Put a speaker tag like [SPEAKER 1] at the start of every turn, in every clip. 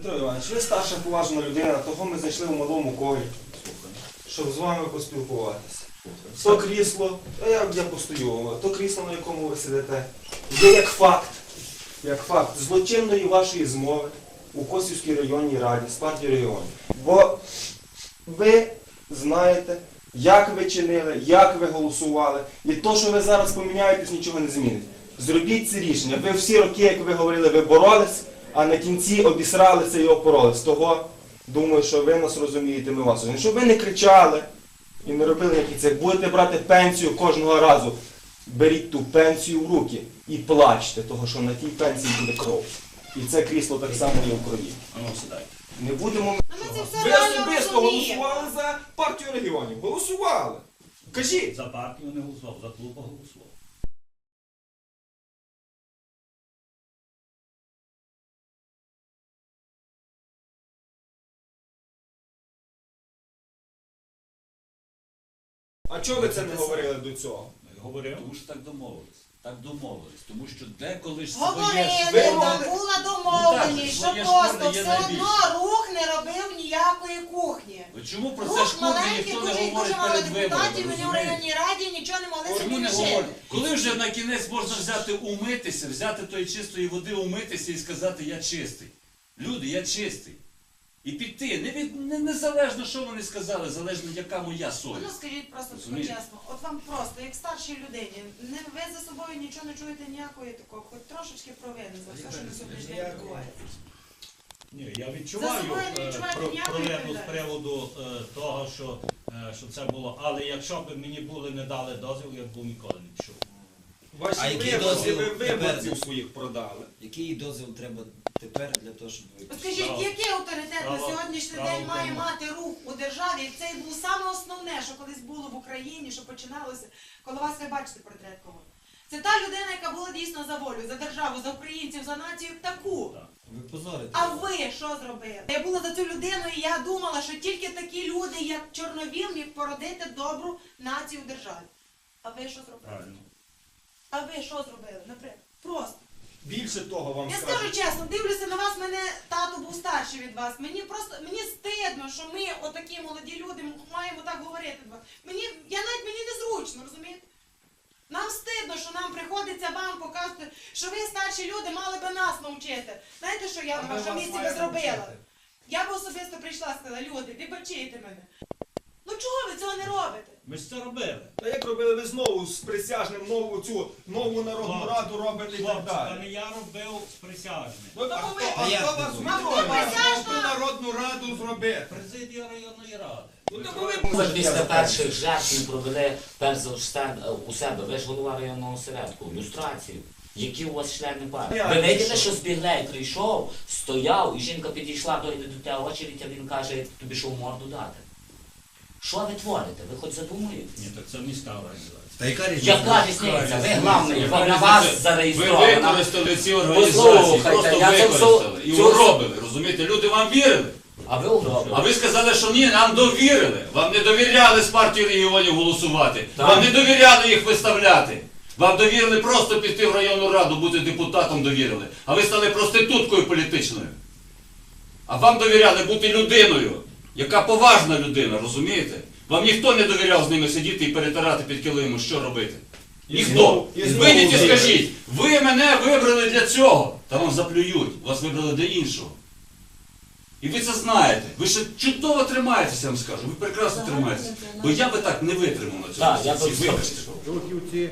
[SPEAKER 1] Петро Іванович, ви старша поважна людина, того ми знайшли в малому колі, щоб з вами поспілкуватися. То крісло, я постою, то крісло, на якому ви сидите, є як факт злочинної вашої змови у Косівській районній раді з партії регіонів. Бо ви знаєте, як ви чинили, як ви голосували, і то, що ви зараз поміняєтесь, нічого не змінить. Зробіть це рішення. Ви всі роки, як ви говорили, ви боролись, а на кінці обісралися і опоролись. Того, думаю, що ви нас розумієте, ми вас розуміємо. Щоб ви не кричали і не робили якісь це. Будете брати пенсію кожного разу, беріть ту пенсію в руки і плачте, того, що на тій пенсії буде кров. І це крісло так само є в крові. Не будемо... Ви особисто голосували за партію регіонів. Голосували. Кажіть.
[SPEAKER 2] За партію не голосував, за клуб голосував.
[SPEAKER 1] А чого ви це не говорили до цього?
[SPEAKER 2] Говорив.
[SPEAKER 3] Тому що так домовились. Так домовились. Тому що деколи ж
[SPEAKER 4] Говорили, була домовленість, що просто все одно рух не робив ніякої кухні.
[SPEAKER 3] Чому про це
[SPEAKER 4] Рух
[SPEAKER 3] шкоди
[SPEAKER 4] маленький,
[SPEAKER 3] ніхто не
[SPEAKER 4] дуже і
[SPEAKER 3] говорить
[SPEAKER 4] дуже мало
[SPEAKER 3] перед
[SPEAKER 4] депутатів,
[SPEAKER 3] виборами?
[SPEAKER 4] вони в районній раді нічого не могли
[SPEAKER 3] Чому
[SPEAKER 4] собі
[SPEAKER 3] не
[SPEAKER 4] рішити.
[SPEAKER 3] говорять? Коли вже на кінець можна взяти умитися, взяти тої чистої води, умитися і сказати «я чистий». Люди, я чистий. І піти. Незалежно, що вони сказали, залежно, яка моя
[SPEAKER 4] Ну
[SPEAKER 3] совість.
[SPEAKER 4] скажіть просто
[SPEAKER 3] Розумієте?
[SPEAKER 4] чесно, от вам просто, як старшій людині, ви за собою нічого не чуєте ніякої такого, хоч трошечки провини за все, що на сьогоднішній день відбувається.
[SPEAKER 2] Ні, я відчуваю провину з приводу того, що це було. Але якщо б мені були не дали дозвіл, я б ніколи не пішов.
[SPEAKER 1] Ваші виборці, ви виборців своїх продали.
[SPEAKER 5] Який дозвіл треба тепер для того, щоб ви...
[SPEAKER 4] Скажіть, який авторитет на сьогоднішній день має мати рух у державі? І це було саме основне, що колись було в Україні, що починалося, коли вас ви бачите портрет кого. Це та людина, яка була дійсно за волю, за державу, за українців, за націю таку.
[SPEAKER 5] Ви позорите.
[SPEAKER 4] А ви що зробили? Я була за цю людину і я думала, що тільки такі люди, як Чорновіл, міг породити добру націю в державі. А ви що зробили?
[SPEAKER 2] Правильно.
[SPEAKER 4] А ви що зробили? Наприклад, просто.
[SPEAKER 1] Більше того вам
[SPEAKER 4] Я
[SPEAKER 1] скажу.
[SPEAKER 4] скажу чесно, дивлюся на вас, мене тато був старший від вас. Мені стидно, що ми, отакі молоді люди, маємо так говорити до вас. Мені незручно, розумієте? Нам стидно, що нам приходиться вам показувати, що ви, старші люди, мали би нас навчити. Знаєте, що я на вашому місці би зробила? Я б особисто прийшла і сказала, люди, вибачайте мене. Ну чого ви цього не робите?
[SPEAKER 2] Ми ж це робили.
[SPEAKER 1] Та як робили ви знову з присяжним нову народну раду робите і так
[SPEAKER 2] Хлопці, та
[SPEAKER 1] далі?
[SPEAKER 2] не я робив з присяжним.
[SPEAKER 1] Ну так ви,
[SPEAKER 5] А як
[SPEAKER 1] хто
[SPEAKER 5] ви
[SPEAKER 1] вас
[SPEAKER 5] думаєте?
[SPEAKER 1] відмовив?
[SPEAKER 4] Хто
[SPEAKER 1] народну раду зробити?
[SPEAKER 2] Президія районної ради.
[SPEAKER 1] Ну так ви
[SPEAKER 6] Ми після перших жертв ми провели перш за все у себе, ви ж голова районного осередку, люстрацію. Які у вас члени партії? Ви виділи, що Збіглей прийшов, стояв, і жінка підійшла до тебе очередь, а він каже, тобі що в морду дати? Що ви творите? Ви хоч задумуєтесь?
[SPEAKER 2] Ні, так це міська організація.
[SPEAKER 5] Та яка різниця?
[SPEAKER 6] Яка різниця? Ви главний, на вас
[SPEAKER 3] Ви
[SPEAKER 6] зареєстровано.
[SPEAKER 3] використали ці організації,
[SPEAKER 6] Послухайте,
[SPEAKER 3] просто
[SPEAKER 6] я це
[SPEAKER 3] використали і
[SPEAKER 6] цю-
[SPEAKER 3] уробили, розумієте? Люди вам вірили.
[SPEAKER 6] А ви угробили.
[SPEAKER 3] А ви сказали, що ні, нам довірили. Вам не довіряли з партії регіонів голосувати.
[SPEAKER 6] Так.
[SPEAKER 3] Вам не довіряли їх виставляти. Вам довірили просто піти в районну раду, бути депутатом довірили. А ви стали проституткою політичною. А вам довіряли бути людиною, яка поважна людина, розумієте? Вам ніхто не довіряв з ними сидіти і перетирати під килимом, що робити. Ніхто. Вийдіть і скажіть, ви мене вибрали для цього. Та вам заплюють, вас вибрали для іншого. І ви це знаєте. Ви ще чудово тримаєтеся, я вам скажу. Ви прекрасно тримаєтеся. Бо я би так не витримав на
[SPEAKER 6] Так, я
[SPEAKER 3] цьому.
[SPEAKER 6] би
[SPEAKER 3] Вибачте.
[SPEAKER 2] Рухівці.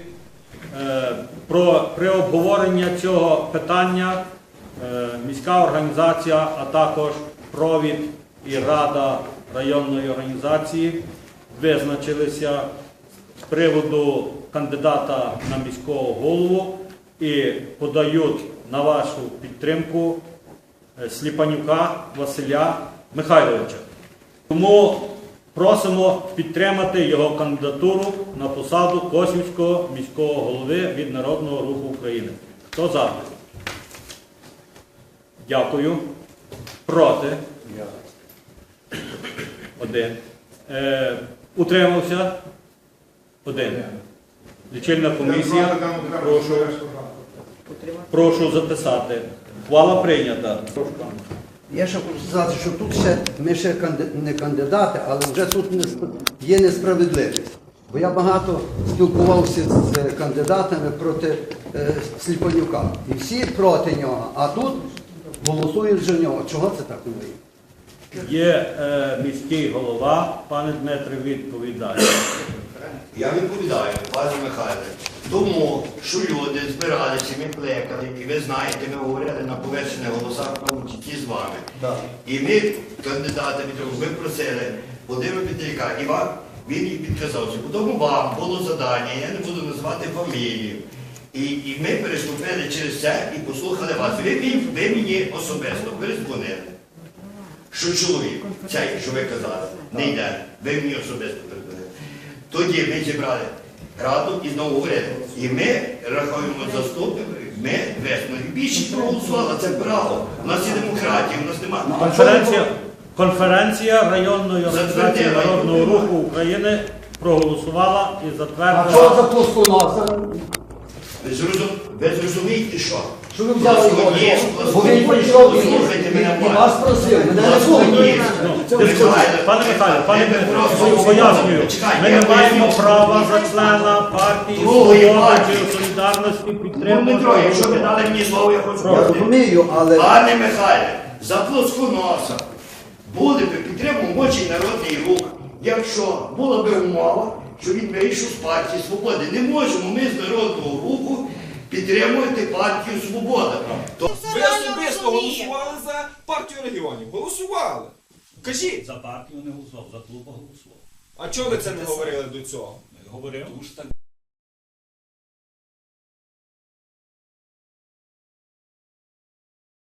[SPEAKER 2] При обговоренні цього питання міська організація, а також провід і рада районної організації визначилися з приводу кандидата на міського голову і подають на вашу підтримку Сліпанюка Василя Михайловича. Тому просимо підтримати його кандидатуру на посаду Косівського міського голови від Народного Руху України. Хто за? Дякую. Проти? Один. Утримався? Один. Лічильна комісія. Прошу записати. Ухвала прийнята.
[SPEAKER 7] Я ще хочу сказати, що тут ще ми ще не кандидати, але вже тут є несправедливість. Бо я багато спілкувався з кандидатами проти Сліпанюка. І всі проти нього, а тут голосують за нього. Чого це так не вийде?
[SPEAKER 2] Є міський голова, пане Дмитре, відповідає.
[SPEAKER 8] Я відповідаю, пане Михайле, тому що люди збиралися, ми плекали, і ви знаєте, ми говорили на поверхнених голосах, в тому числі з вами. І ми, кандидати, ви просили Володимира Петряка, і вам, він їй підказався. Потім вам було завдання, я не буду називати фамілію. І ми переступили через це і послухали вас. Ви мені особисто перезвонили, що чоловік, цей, що ви казали, не йде. Ви мені особисто перезвонили. Тоді ми зібрали раду і знову говорили. І ми рахуємо заступників, ми весну. І більшість проголосувала, це право. У нас є демократія, у нас немає.
[SPEAKER 2] Конференція районної організації Народного руху України проголосувала і
[SPEAKER 7] А
[SPEAKER 2] затвердила.
[SPEAKER 7] що за плосконоса?
[SPEAKER 8] Ви зрозумієте, що?
[SPEAKER 7] Що ви взяли його? Бо він прийшов і вас просив, мене не слухали.
[SPEAKER 2] Пане Михайло, пане Дмитро, пояснюю, ми не маємо права за члена партії «Свобода» чи «Солідарності»
[SPEAKER 8] Дмитро,
[SPEAKER 2] підтримувати.
[SPEAKER 8] якщо ви дали мені слово, я хочу
[SPEAKER 7] Я
[SPEAKER 8] сказати.
[SPEAKER 7] розумію, але...
[SPEAKER 8] Пане Михайле, за плосконоса були б підтримав мочий народний рух, якщо була б умова, що він вийшов з партії «Свободи». Не можемо ми з народного руху підтримувати партію «Свобода».
[SPEAKER 4] Це
[SPEAKER 1] Ви
[SPEAKER 4] реально
[SPEAKER 1] особисто
[SPEAKER 4] розуміє.
[SPEAKER 1] голосували за партію регіонів. Голосували. Кажіть,
[SPEAKER 2] За партію не голосував, за клуб голосував.
[SPEAKER 1] а чого ви це не говорили до цього?
[SPEAKER 2] Говорив.
[SPEAKER 3] Тому що так